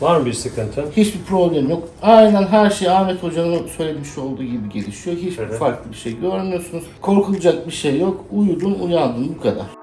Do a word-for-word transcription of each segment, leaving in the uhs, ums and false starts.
Var mı bir sıkıntı? Hiçbir problem yok. Aynen her şey Ahmet Hoca'nın söylemiş olduğu gibi gelişiyor. Hiçbir Evet. farklı bir şey görmüyorsunuz. Korkulacak bir şey yok. Uyudun, uyandın, bu kadar.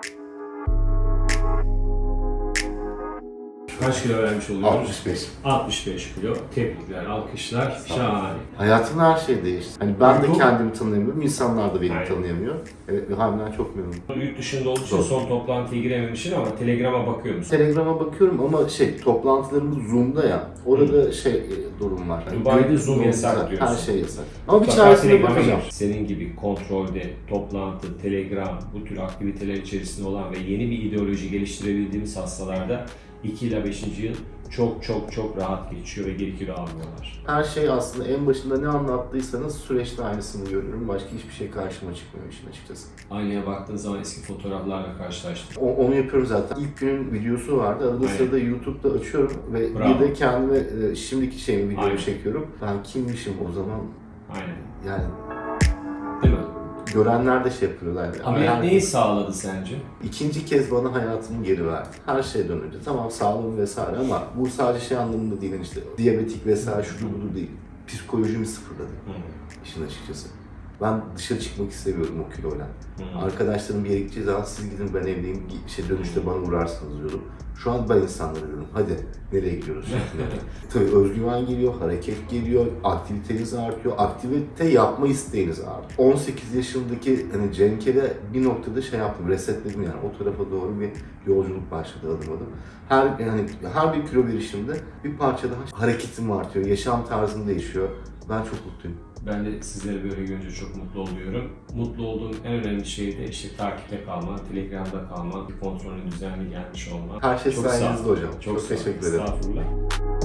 Kaç kilo vermiş oluyoruz? altmış beş. altmış beş kilo. Tebrikler, alkışlar. Şahane. Hayatımda her şey değişti. Hani ben de Uyku. kendimi tanıyamıyorum, insanlar da beni Aynen. tanıyamıyor. Evet, ve harbiden çok memnunum. Yurt dışında olduğu için Doğru. son toplantıya girememişsin ama Telegram'a bakıyor musun? Telegram'a bakıyorum ama şey, toplantılarımız Zoom'da ya, orada şey e, durum var. Hani Dubai'de gün- Zoom yasak diyorsun. Her şey yasak. Ama bir Mutlaka çaresine Telegram'a bakacağım. gir. Senin gibi kontrolde, toplantı, Telegram, bu tür aktiviteler içerisinde olan ve yeni bir ideoloji geliştirebildiğimiz hastalarda iki ila beşinci yıl çok çok çok rahat geçiyor ve geri kilo almıyorlar. Her şey aslında en başında ne anlattıysanız süreçte aynısını görüyorum. Başka hiçbir şey karşıma çıkmıyor işin açıkçası. Aynaya baktığın zaman eski fotoğraflarla karşılaştın. O- onu yapıyorum zaten. İlk günün videosu vardı. Arada Aynen. sırada YouTube'da açıyorum ve Bravo. bir de kendime e, şimdiki şeyimi videomu Aynen. çekiyorum. Ben kimmişim o zaman? Aynen. Yani Değil mi? görenler de şey yapıyorlar. Yani. Ameliyat Yani neyi sağladı sence? İkinci kez bana hayatımı geri verdi. Her şeyden önce. Tamam sağlığım vesaire ama bu sadece şey anlamında değil, yani işte diyabetik vesaire şudur budur değil. Psikolojimi sıfırladı Hı. işin açıkçası. Ben dışarı çıkmak istemiyorum o kiloyla. Hı. Arkadaşlarım bir yere gideceği zaman siz gidin ben evdeyim, şey dönüşte bana uğrarsınız diyordum. Şu an ben insanlara diyorum hadi nereye gidiyoruz şeklinde. Tabii özgüven geliyor, hareket geliyor, aktiviteniz artıyor, aktivite yapma isteğiniz artıyor. on sekiz yaşındaki hani Cenk'e bir noktada şey yaptım, resetledim yani o tarafa doğru bir yolculuk başladı adım adım. Her yani her bir kilo verişimde bir parça daha hareketim artıyor, yaşam tarzım değişiyor. Ben çok mutluyum. Ben de sizleri böyle görünce çok mutlu oluyorum. Mutlu olduğum en önemli şey de işte takipte kalman, Telegram'da kalman, kontrolün düzenli gelmiş olman. Her şey Çok sağ ol. sayenizde hocam. Çok sağ ol. teşekkür ederim. Estağfurullah.